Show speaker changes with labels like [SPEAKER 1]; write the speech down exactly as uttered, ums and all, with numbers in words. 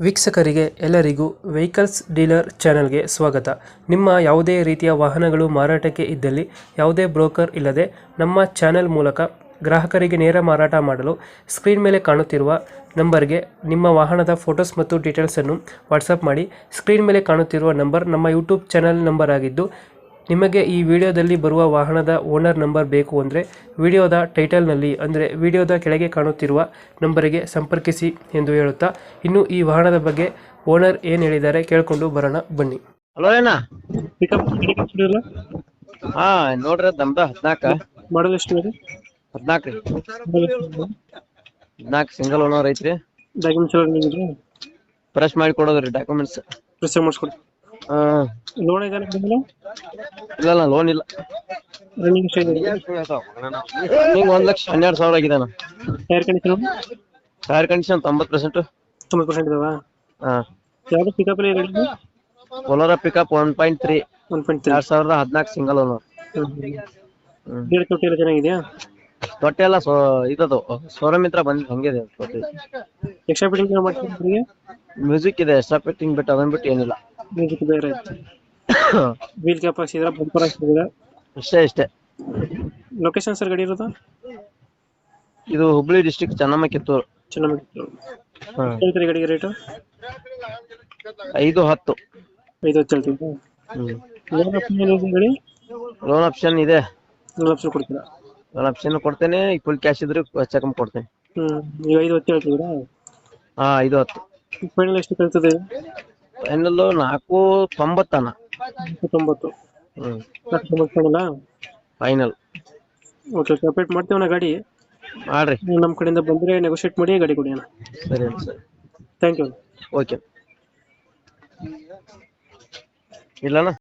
[SPEAKER 1] ವೀಕ್ಷಕರಿಗೆ ಎಲ್ಲರಿಗೂ vehicles dealer ಚಾನೆಲ್ಗೆ ಸ್ವಾಗತ. ನಿಮ್ಮ ಯಾವುದೇ ರೀತಿಯ ವಾಹನಗಳು ಮಾರಾಟಕ್ಕೆ ಇದ್ದಲ್ಲಿ ಯಾವುದೇ ಬ್ರೋಕರ್ ಇಲ್ಲದೆ ನಮ್ಮ ಚಾನೆಲ್ ಮೂಲಕ ಗ್ರಾಹಕರಿಗೆ ನೇರ ಮಾರಾಟ ಮಾಡಲು ಸ್ಕ್ರೀನ್ ಮೇಲೆ ಕಾಣುತ್ತಿರುವ ನಂಬರ್ಗೆ ನಿಮ್ಮ ವಾಹನದ ಫೋಟೋಸ್ ಮತ್ತು ಡೀಟೇಲ್ಸನ್ನು ವಾಟ್ಸಪ್ ಮಾಡಿ. ಸ್ಕ್ರೀನ್ ಮೇಲೆ ಕಾಣುತ್ತಿರುವ ನಂಬರ್ ನಮ್ಮ ಯೂಟ್ಯೂಬ್ ಚಾನೆಲ್ ನಂಬರ್ ಆಗಿದ್ದು, ನಿಮಗೆ ಈ ವಿಡಿಯೋದಲ್ಲಿ ಬರುವ ವಾಹನದ ಓನರ್ ನಂಬರ್ ಬೇಕು ಅಂದರೆ ವಿಡಿಯೋದ ಟೈಟಲ್ನಲ್ಲಿ ಅಂದರೆ ವಿಡಿಯೋದ ಕೆಳಗೆ ಕಾಣುತ್ತಿರುವ ನಂಬರಿಗೆ ಸಂಪರ್ಕಿಸಿ ಎಂದು ಹೇಳುತ್ತಾ, ಇನ್ನು ಈ ವಾಹನದ ಬಗ್ಗೆ ಓನರ್ ಏನು ಹೇಳಿದ್ದಾರೆ ಕೇಳಿಕೊಂಡು ಬರೋಣ ಬನ್ನಿ.
[SPEAKER 2] ಹಲೋ ಏನ
[SPEAKER 1] ಪಿಕಪ್
[SPEAKER 2] ಹಾ ನೋಡ್ರಿ ನಮ್ದ ಹದ್ನಾಕ
[SPEAKER 1] ಮಾಡಲ್ ಎಷ್ಟು ಇದೆ?
[SPEAKER 2] ಹದ್ನಾಕ್ ರೀ ಹದ್ನಾಕ್ ಸಿಂಗಲ್ ಓನರ್ ಐತ್ರಿ.
[SPEAKER 1] ಡಾಕ್ಯುಮೆಂಟ್ಸ್ ಎಲ್ಲ
[SPEAKER 2] ಫ್ರೆಶ್ ಮಾಡಿ ಕೊಡೋದ್ರಿ ಡಾಕ್ಯುಮೆಂಟ್ಸ್.
[SPEAKER 1] ಪ್ರೆಸ್ ಮಾಡಿಸ್ಕೊಡಿ.
[SPEAKER 2] ಹಾ
[SPEAKER 1] ಲೋನ್ ಇದೆ
[SPEAKER 2] ಇಲ್ಲ ಇಲ್ಲ ಲೋನ್ ಇಲ್ಲ.
[SPEAKER 1] ರನ್ನಿಂಗ್ ಎಷ್ಟಾಗಿದೆ?
[SPEAKER 2] ಹಿಂಗ ಒಂದ್ ಲಕ್ಷ ಹನ್ನೆರಡು ಸಾವಿರ ಆಗಿದೆ ಅಣ್ಣ.
[SPEAKER 1] ಟೈರ್ ಕಂಡೀಷನ್
[SPEAKER 2] ಟೈರ್ ಕಂಡೀಷನ್ ತೊಂಬತ್ ಪರ್ಸೆಂಟ್
[SPEAKER 1] ತೊಂಬತ್ತು ಪರ್ಸೆಂಟ್ ಇದಾವ.
[SPEAKER 2] ಹಾ
[SPEAKER 1] ಯಾವ್ದು ಪಿಕಪ್ ಅಲ್ಲಿ ಗಾಡಿ?
[SPEAKER 2] Bolero pickup one point three
[SPEAKER 1] one point three
[SPEAKER 2] ಎರಡ್ ಸಾವಿರದ ಹದ್ನಾಕ್ ಸಿಂಗಲ್ ಓನರ್.
[SPEAKER 1] ಗೇರ್ ತೊಟ್ಟಿ ಎಲ್ಲ ಚೆನ್ನಾಗಿದೆಯಾ?
[SPEAKER 2] ತೊಟ್ಟೆ ಎಲ್ಲ ಸೋ ಇದದು ಶೋರೂಮ್ ಇತ್ರ ಬಂದ್ ಹಂಗಿದೆ ತೊಟ್ಟಿ.
[SPEAKER 1] ಎಕ್ಸ್ಟ್ರಾ ಫಿಟ್ಟಿಂಗ್ ಮಾಡ್ತೀವಿ?
[SPEAKER 2] ಮ್ಯೂಸಿಕ್ ಇದೆ, ಎಕ್ಸ್ಟ್ರಾ ಫಿಟ್ಟಿಂಗ್ ಬಿಟ್ಟು ಅದನ್ ಬಿಟ್ಟು ಏನಿಲ್ಲ.
[SPEAKER 1] ಮ್ಯೂಸಿಕ್ ಬೇರೆ ಐತೆ. ವೀಲ್ ಕ್ಯಾಪ್ ಹಾಕ್ಸಿದ್ರ, ಬಂಪರ್ ಹಾಕ್ಸಿದ್ರ?
[SPEAKER 2] ಇಷ್ಟೇ ಇಷ್ಟೇ.
[SPEAKER 1] ಲೊಕೇಶನ್ ಸರ್ ಗಾಡಿ ಇರೋದು?
[SPEAKER 2] ಇದು ಹುಬ್ಳಿ ಡಿಸ್ಟ್ರಿಕ್ಟ್ ಚೆನ್ನಮ್ಮ ಕಿತ್ತೂರು.
[SPEAKER 1] ಚೆನ್ನಾಗಿ ಹೇಳ್ತೀರಿ ಗಾಡಿಗೆ ರೇಟು?
[SPEAKER 2] ಐದು ಹತ್ತು
[SPEAKER 1] ಐದು ಹತ್ತು ಹೇಳ್ತೀವಿ. ಲೋನ್ ಆಪ್ಷನ್ ಇದೆ ಗಾಡಿ?
[SPEAKER 2] ಲೋನ್ ಆಪ್ಷನ್ ಇದೆ.
[SPEAKER 1] ಲೋನ್ ಆಪ್ಷನ್ ಕೊಡ್ತೀರಾ?
[SPEAKER 2] ಲೋನ್ ಆಪ್ಷನ್ ಕೊಡ್ತೇನೆ, ಫುಲ್ ಕ್ಯಾಶ್ ಇದ್ರೆ ಚೆಕ್ ಕೊಡ್ತೇನೆ.
[SPEAKER 1] ಹ್ಮ್ ನೀವು ಐದು ಹತ್ತು ಹೇಳ್ತೀರಾ?
[SPEAKER 2] ಹಾ ಐದು ಹತ್ತು.
[SPEAKER 1] ಫೈನಲ್ ಎಷ್ಟು ಕಳ್ತದೆ?
[SPEAKER 2] ಫೈನಲ್ ನಾಲ್ಕು ತೊಂಬತ್ತನ.
[SPEAKER 1] ತೊಂಬತ್ತು.
[SPEAKER 2] ಹ್ಮ್
[SPEAKER 1] ನಾಲ್ಕು ತೊಂಬತ್ತು final?
[SPEAKER 2] Final.
[SPEAKER 1] Okay okay, update ಮಾಡ್ತೀವಣ್ಣ ಗಾಡಿ.
[SPEAKER 2] ಮಾಡ್ರಿ,
[SPEAKER 1] ನಮ್ಮ ಕಡೆಯಿಂದ ಬಂದರೆ ನೆಗೋಷಿಯೇಟ್ ಮಾಡಿ ಗಾಡಿ ಕೊಡಿ ಅಣ್ಣ.
[SPEAKER 2] ಸರಿ ಸರಿ
[SPEAKER 1] ಥ್ಯಾಂಕ್ ಯು.
[SPEAKER 2] ಓಕೆ. ಇಲ್ಲಣ್ಣ.